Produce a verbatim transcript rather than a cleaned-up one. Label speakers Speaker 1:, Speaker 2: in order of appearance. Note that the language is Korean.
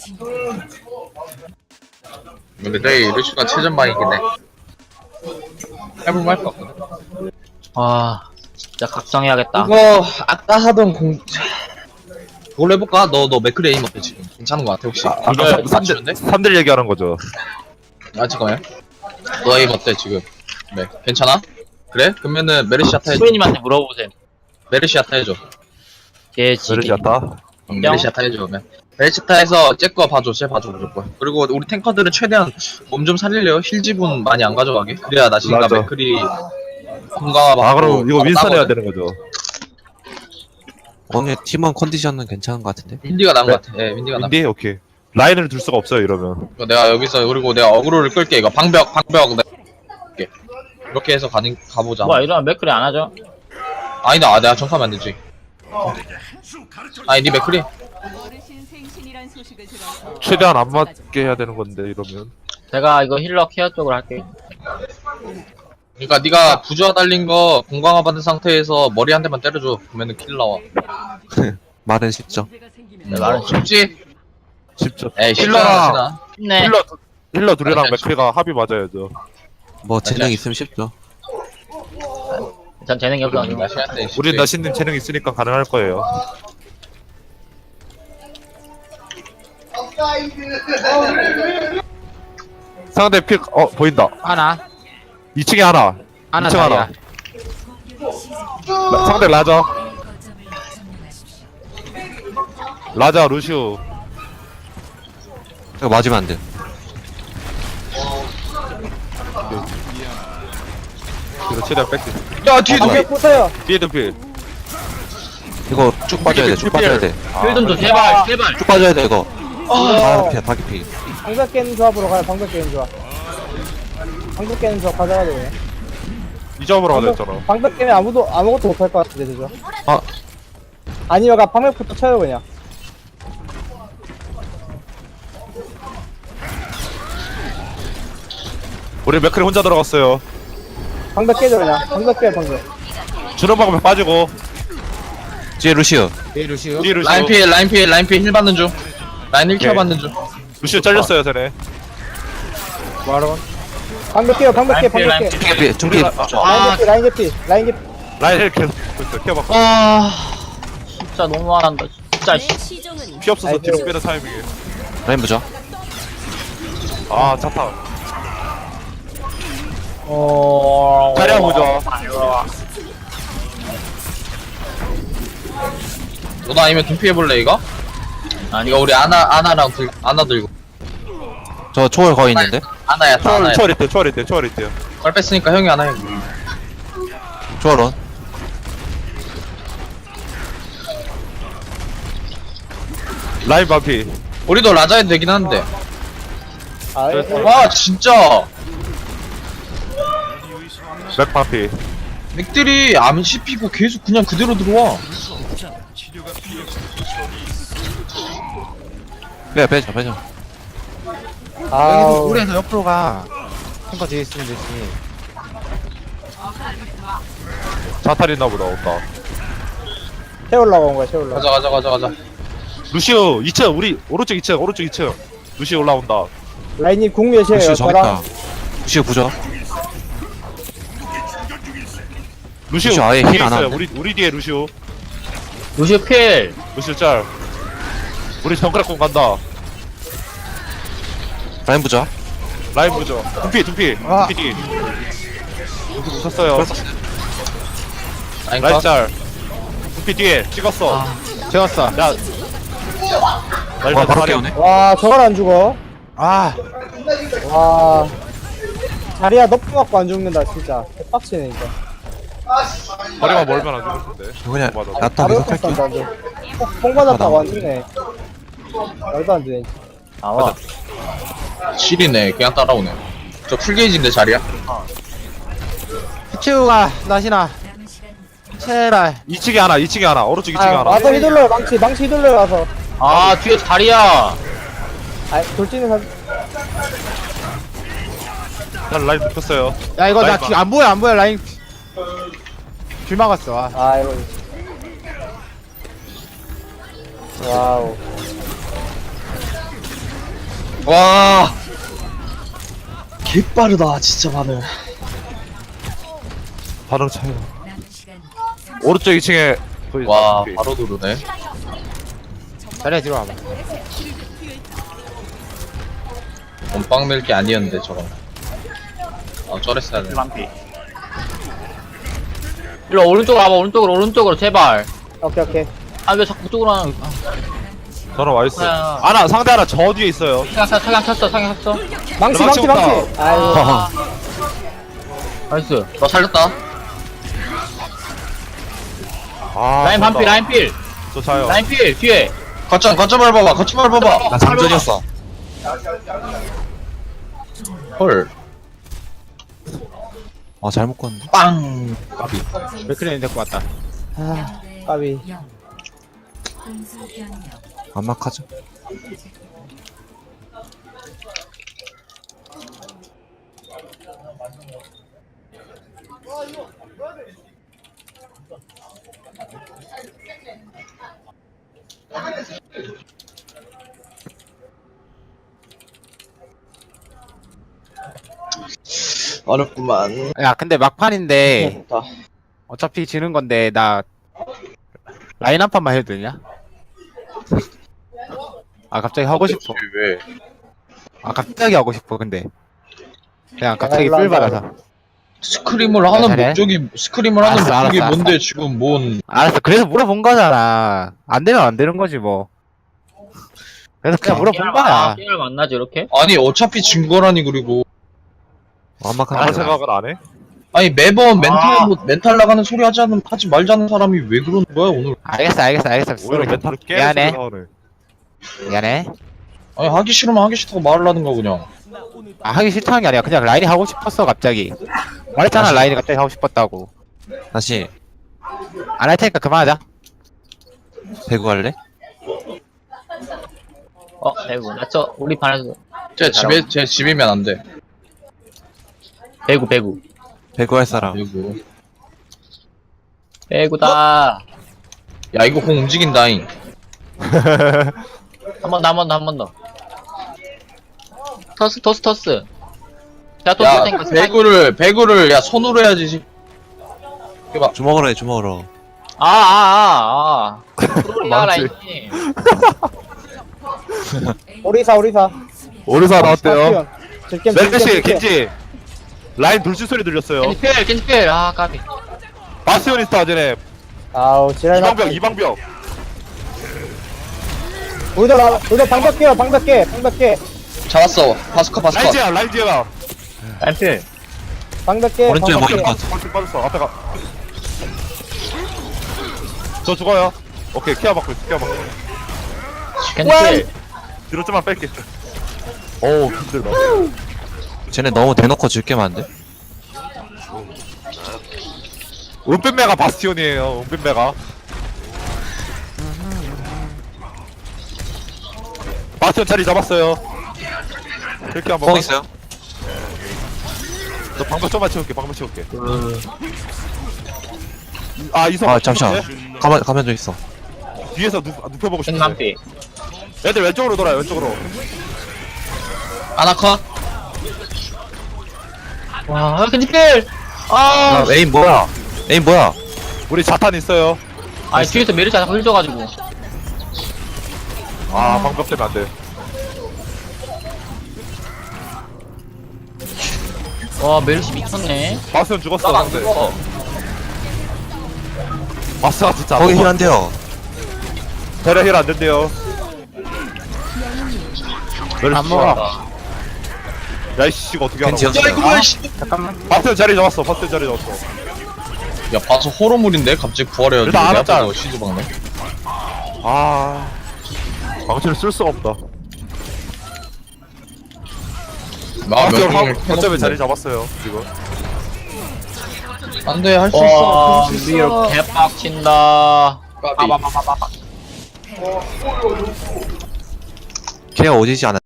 Speaker 1: 근데 저희 루시가 최전방이긴 해. 해보면 할 거 없거든.
Speaker 2: 와 진짜 각성해야겠다.
Speaker 1: 이거 아까 하던 공 그걸로 해볼까? 너 너 맥크리 에임 어때 지금? 괜찮은 거 같아 혹시?
Speaker 3: 아까
Speaker 1: 이거
Speaker 3: 삼
Speaker 1: 맞추는데?
Speaker 3: 대 삼 대 얘기하는 거죠.
Speaker 1: 아 잠깐만. 너 에임 어때 지금? 네 괜찮아? 그래? 그러면은 메르시아타 해줘.
Speaker 2: 수인님한테 물어보세요.
Speaker 1: 메르시아타 해줘.
Speaker 2: 개지기.
Speaker 3: 메르시 같다.
Speaker 1: 응, 메르시아타 해줘 그러면. 메르시아타에서 쟤거 봐줘, 쟤 봐줘 무조건. 그리고 우리 탱커들은 최대한 몸 좀 살리려요. 힐 지분 많이 안 가져가게. 그래야 나 지금
Speaker 3: 맞아.
Speaker 1: 맥크리 공강화 받고.
Speaker 3: 아 그럼 이거
Speaker 1: 바로
Speaker 3: 윈스턴 해야
Speaker 1: 따거든.
Speaker 3: 되는 거죠.
Speaker 4: 오늘 팀원 컨디션은 괜찮은 것 같은데?
Speaker 1: 윈디가 나은
Speaker 3: 네.
Speaker 1: 것 같아. 예, 윈디가 나은 것
Speaker 3: 인디 오케이. 라인을 둘 수가 없어요 이러면.
Speaker 1: 같아. 내가 여기서 그리고 내가 어그로를 끌게. 이거 방벽 방벽 내가 끌게. 이렇게 해서 가는 가보자.
Speaker 2: 뭐야 이러면 맥크리 안 하죠?
Speaker 1: 아니다, 아, 내가 정하면 안 되지. 아니, 니 맥크리?
Speaker 5: 어르신 생신이란 소식을 들어서
Speaker 3: 최대한 안 맞게 해야 되는 건데 이러면.
Speaker 2: 제가 이거 힐러 케어 쪽으로 할게요.
Speaker 1: 그러니까 네가 부조화 달린 거 공강화 받은 상태에서 머리 한 대만 때려줘. 그러면은 킬 나와.
Speaker 4: 말은 쉽죠.
Speaker 5: 문제가 생기면
Speaker 1: 음, 말은 쉽지?
Speaker 3: 쉽죠.
Speaker 1: 에이,
Speaker 3: 힐러랑
Speaker 1: 힐러랑
Speaker 2: 네.
Speaker 3: 힐러 두- 힐러 둘이랑
Speaker 1: 아니,
Speaker 3: 맥크리가 합이 맞아야죠.
Speaker 4: 뭐 재능
Speaker 1: 아니야.
Speaker 4: 있으면 쉽죠.
Speaker 2: 전 재능이 없어가지고.
Speaker 3: 우리 나신님 재능 있으니까 가능할 거예요. 상대 픽, 어, 보인다.
Speaker 6: 하나
Speaker 3: 이 층에 하나.
Speaker 6: 하나
Speaker 3: 이 층 하나.
Speaker 6: 다리야.
Speaker 3: 라, 상대 라자. 라자, 루시우.
Speaker 4: 이거 맞으면 안 돼.
Speaker 3: 이거 최대한 뺄게.
Speaker 1: 야, 뒤에
Speaker 4: 아,
Speaker 1: 누구?
Speaker 6: 보세요.
Speaker 3: 뒤에도 필.
Speaker 4: 이거 쭉 빠져야 돼. 쭉 빠져야 돼.
Speaker 2: 힐좀 줘 제발 제발.
Speaker 4: 쭉 빠져야 돼 이거. 다 피해, 다 피해.
Speaker 6: 방벽 깨는 조합으로 가요. 방벽 깨는 조합. 방벽 깨는 조합 가져가야 돼.
Speaker 3: 이 점으로 가자
Speaker 6: 방벽,
Speaker 3: 했잖아.
Speaker 6: 방벽 깨면 아무도 아무것도 못할 것 같은데 그죠?
Speaker 4: 아.
Speaker 6: 아니면 가 방벽부터 쳐요 그냥.
Speaker 3: 우리 맥크리 혼자 들어갔어요.
Speaker 6: 방벽 깨져 그냥. 방벽 깨요 방벽.
Speaker 3: 주는 방법에 빠지고.
Speaker 4: 뒤에 루시오.
Speaker 6: 네 루시오.
Speaker 3: 뒤에 루시우.
Speaker 1: 라인 피해, 라인 피해, 라인 피해 힐 받는 중. 라인 힐 케어
Speaker 3: 오케이.
Speaker 1: 받는 중.
Speaker 3: 루시우 잘렸어요, 쟤네.
Speaker 6: 뭐하러? 방벽 깨요 방벽 깨
Speaker 2: 라인
Speaker 6: 방벽
Speaker 2: 피해,
Speaker 6: 깨.
Speaker 4: 피해, 피해. 좀 피해.
Speaker 3: 우리가- 아,
Speaker 6: 라인 개피 라인 개피 라인 개피.
Speaker 3: 라인 힐 계속 보고 있어. 케어 받고.
Speaker 2: 아 진짜 너무 화난다. 진짜 씨.
Speaker 5: 내 시종은
Speaker 3: 피 없어서
Speaker 6: 아이고.
Speaker 3: 뒤로 빼는 타이밍에.
Speaker 4: 라인 보자.
Speaker 3: 아, 차타.
Speaker 2: 어.
Speaker 3: 자리야 보죠.
Speaker 1: 너도 아니면 둠피 해볼래 이거?
Speaker 2: 아니
Speaker 1: 이거 우리 아나 아나랑 들 아나 들고.
Speaker 4: 저 초월 거의 있는데.
Speaker 1: 아나야, 다
Speaker 3: 초월,
Speaker 1: 아나야.
Speaker 3: 초월 있대, 초월 있대, 초월 있대요.
Speaker 1: 걸 뺐으니까 형이 아나 해.
Speaker 4: 초월 원.
Speaker 3: 라인 반피.
Speaker 1: 우리도 라자 해도 되긴 하는데.
Speaker 6: 아 예. 예.
Speaker 1: 와 진짜
Speaker 3: 맥 반피.
Speaker 1: 맥들이 안 씹히고 계속 그냥 그대로 들어와.
Speaker 4: 빼, 빼자, 빼자.
Speaker 6: 아우.
Speaker 7: 우리에서 옆으로 가. 탱커 뒤에 있으면 되지.
Speaker 3: 자탈 있나 보다, 없다.
Speaker 6: 채우려고 온 거야 채우려고.
Speaker 1: 가자 가자 가자 가자.
Speaker 3: 루시우, 이 층, 우리, 오른쪽 이 층, 오른쪽 이 층. 루시우 올라온다.
Speaker 6: 라인님 공 몇이에요?
Speaker 4: 루시오 저기
Speaker 6: 저랑
Speaker 4: 있다. 루시오 부자.
Speaker 3: 루시우,
Speaker 4: 루시우 아예
Speaker 3: 뒤에
Speaker 4: 힐안
Speaker 3: 있어요.
Speaker 4: 하는데?
Speaker 3: 우리, 우리 뒤에 루시우.
Speaker 2: 루시오 필.
Speaker 3: 루시우 짤. 우리 정크랙공 간다.
Speaker 4: 라인 부자.
Speaker 3: 라인 보죠. 둠피, 둠피.
Speaker 7: 아.
Speaker 3: 둠피 뒤. 둠피 웃었어요.
Speaker 1: 라인
Speaker 3: 라인
Speaker 1: 컷.
Speaker 3: 짤. 둠피 뒤에 찍었어.
Speaker 7: 재웠어.
Speaker 3: 야. 라인
Speaker 4: 와, 바로
Speaker 3: 자리-
Speaker 4: 깨우네.
Speaker 6: 와 저걸 안 죽어.
Speaker 7: 아,
Speaker 6: 와 자리야 너프 맞고 안 죽는다 진짜. 빡치네 진짜.
Speaker 3: 거리만 멀면 안 죽을 텐데.
Speaker 4: 그냥
Speaker 3: 맞아.
Speaker 4: 야타
Speaker 6: 바로
Speaker 4: 계속 할게.
Speaker 6: 였다 완전. 뽕 받았다고 안 죽네. 말도 안 되네.
Speaker 2: 나와.
Speaker 1: 실이네. 그냥 따라오네. 저 풀게이지인데 자리야?
Speaker 7: 피치우가 나시나. 체랄.
Speaker 3: 이 층에 하나, 이 층에 하나, 오른쪽 이 층에
Speaker 6: 아
Speaker 3: 하나.
Speaker 6: 와서 휘둘러요 망치 망치 휘둘러요 와서.
Speaker 2: 아 뒤에 다리야.
Speaker 6: 아 돌진은 사.
Speaker 3: 난 라인 눕혔어요.
Speaker 7: 야 이거
Speaker 3: 라인
Speaker 7: 나 안 보여 안 보여 라인. 길 막았어. 아.
Speaker 6: 아 이거. 와우.
Speaker 1: 와 개빠르다 진짜 반응.
Speaker 3: 반응 차이가. 오른쪽 이 층에 거의
Speaker 1: 와
Speaker 3: 다
Speaker 1: 바로 누르네.
Speaker 7: 자리야 뒤로 와봐.
Speaker 1: 몸빵 낼게 아니었는데 저건. 아 쩔었어야 돼.
Speaker 2: 반피. 일로 오른쪽으로 와봐, 오른쪽으로, 오른쪽으로, 제발.
Speaker 6: 오케이 오케이.
Speaker 2: 아, 왜 자꾸 그쪽으로 하는, 아,
Speaker 3: 저는 와있어.
Speaker 2: 야.
Speaker 3: 하나 상대 하나 저 뒤에 있어요.
Speaker 2: 사냥, 사- 사냥 쳤어, 사냥 쳤어.
Speaker 6: 망치
Speaker 3: 망치
Speaker 6: 망치
Speaker 3: 없다.
Speaker 6: 망치. 아이고.
Speaker 2: 나이스.
Speaker 1: 너 살렸다.
Speaker 3: 아,
Speaker 2: 라인
Speaker 3: 좋다.
Speaker 2: 반피, 라인 필.
Speaker 3: 저 자요.
Speaker 2: 라인 필, 뒤에.
Speaker 1: 거점 거점 밟아봐. 거점 밟아봐.
Speaker 4: 나 잠전이었어.
Speaker 1: 헐.
Speaker 4: 어 잘못 껐는데.
Speaker 1: 빵.
Speaker 7: 맥크리는 데리고 왔다.
Speaker 6: 아 까비.
Speaker 4: 안막하죠.
Speaker 1: 어렵구만.
Speaker 7: 야 근데 막판인데
Speaker 1: 좋다.
Speaker 7: 어차피 지는 건데 나 라인 한 판만 해도 되냐? 아 갑자기 하고 싶어.
Speaker 1: 왜?
Speaker 7: 아 갑자기 하고 싶어 근데. 그냥 갑자기
Speaker 6: 아,
Speaker 7: 삘
Speaker 6: 올라온다.
Speaker 7: 받아서.
Speaker 1: 스크림을 하는
Speaker 7: 잘해?
Speaker 1: 목적이 스크림을 하는
Speaker 7: 알았어,
Speaker 1: 목적이
Speaker 7: 알았어,
Speaker 1: 뭔데 지금 뭔?
Speaker 7: 알았어. 그래서 물어본 거잖아. 안 되면 안 되는 거지 뭐. 그래서 그냥 물어본 거야.
Speaker 2: 게임을 만나지, 이렇게?
Speaker 1: 아니 어차피 진 거라니. 그리고
Speaker 4: 안막하는
Speaker 3: 아무
Speaker 4: 거.
Speaker 3: 생각은 안 해?
Speaker 1: 아니 매번 멘탈 뭐 멘탈 나가는 소리 하지 않는 하지 말자는 사람이 왜 그러는 거야 오늘?
Speaker 7: 알겠어 알겠어 알겠어.
Speaker 3: 오히려 멘탈을 깨.
Speaker 7: 미안해.
Speaker 3: 나오네.
Speaker 7: 미안해.
Speaker 1: 아니 하기 싫으면 하기 싫다고 말을 하든가 그냥.
Speaker 7: 아 하기 싫다는 게 아니라 그냥 라인이 하고 싶었어 갑자기. 말했잖아 라인이 갑자기 하고 싶었다고.
Speaker 4: 다시
Speaker 7: 안 할 테니까 그만하자.
Speaker 4: 배구 할래?
Speaker 2: 어, 배구. 나저 우리 반에서.
Speaker 1: 제 집에 제 집이면 안 돼.
Speaker 2: 배구, 배구.
Speaker 4: 배구 할 사람.
Speaker 1: 그리고
Speaker 2: 배구다.
Speaker 1: 야 이거 공 움직인다잉.
Speaker 2: 한 번 더, 한 번 더, 한 번 더. 터스, 터스, 터스. 자, 또
Speaker 1: 야
Speaker 2: 땡겨.
Speaker 1: 배구를 배구를 야 손으로 해야지. 해봐.
Speaker 4: 주먹으로 해 주먹으로.
Speaker 2: 아, 아, 아, 아. 프로리아
Speaker 3: 망치.
Speaker 2: 라인이.
Speaker 6: 오리사 오리사.
Speaker 3: 오르사 나왔대요.
Speaker 6: 즐겜
Speaker 3: 멜드씨 겐지. 라인 돌진 소리 들렸어요.
Speaker 2: 겐지필, 겐지필. 아, 까비.
Speaker 3: 바스티오니스타 쟤네.
Speaker 6: 아우 지랄.
Speaker 3: 이방벽 이방벽.
Speaker 6: 우리도 나 우리도 방벽 깨요 방벽 깨 방벽 깨
Speaker 1: 잡았어. 파스커 파스커.
Speaker 3: 라인지야 라인지야.
Speaker 2: 라인필.
Speaker 6: 방벽 깨.
Speaker 4: 오른쪽에
Speaker 6: 방벽
Speaker 4: 먹을
Speaker 6: 깨.
Speaker 4: 것 같아.
Speaker 3: 빠졌어 빠졌어. 앞에 가. 저 죽어요. 오케이 케어 받고 있어 케어 받고.
Speaker 2: 겐지필.
Speaker 3: 뒤로 좀만 뺄게. 어우 힘들다.
Speaker 4: 쟤네 너무 대놓고 줄게만 안 돼?
Speaker 3: 은빛매가 바스티온이에요. 은빛매가. 바스티온 자리 잡았어요. 이렇게 한번.
Speaker 4: 뻥 있어요?
Speaker 3: 너 방금 좀만 채울게. 방금 채울게. 아 이성.
Speaker 4: 아 잠시만. 가만 가면 좀 있어.
Speaker 3: 뒤에서 눕 눕혀보고 싶어.
Speaker 2: 겐만피.
Speaker 3: 애들 왼쪽으로 돌아요. 왼쪽으로.
Speaker 1: 아나카.
Speaker 2: 와, 겐지필. 아,
Speaker 4: 야 에임 뭐야? 에임 뭐야?
Speaker 3: 우리 자탄 있어요.
Speaker 2: 아, 뒤에서 메르시 하나 흘려가지고.
Speaker 3: 아 방금 때문에 안 돼.
Speaker 2: 와, 메르시 미쳤네.
Speaker 3: 바스티온 죽었어.
Speaker 2: 나안
Speaker 3: 근데.
Speaker 2: 죽어.
Speaker 3: 바스가 진짜.
Speaker 4: 거기 힐 안 돼요.
Speaker 3: 배려 힐안 된대요.
Speaker 7: 안 먹어.
Speaker 3: 야이씨 이거 어떻게 하나?
Speaker 4: 겐지
Speaker 1: 야
Speaker 4: 연습.
Speaker 1: 이거 왜 씨.
Speaker 7: 잠깐만.
Speaker 3: 바스티온 자리 잡았어. 바스티온 자리 잡았어.
Speaker 1: 야 봐서 호러물인데 갑자기 부활해가지고
Speaker 3: 일단
Speaker 1: 내
Speaker 3: 알았잖아.
Speaker 1: 앞에서 시즈 박네.
Speaker 3: 아 방치를 쓸 수가 없다.
Speaker 1: 나
Speaker 3: 바스티온
Speaker 1: 몇
Speaker 3: 하고
Speaker 1: 명을
Speaker 3: 거점에 자리
Speaker 1: 캐놓고.
Speaker 3: 잡았어요. 지금.
Speaker 1: 안돼 할 수
Speaker 2: 와,
Speaker 1: 있어. 할 수
Speaker 2: 미로
Speaker 1: 있어.
Speaker 2: 개빡친다.
Speaker 1: 까비.
Speaker 2: 빠바바바바.
Speaker 4: 걔가 오지지 않아.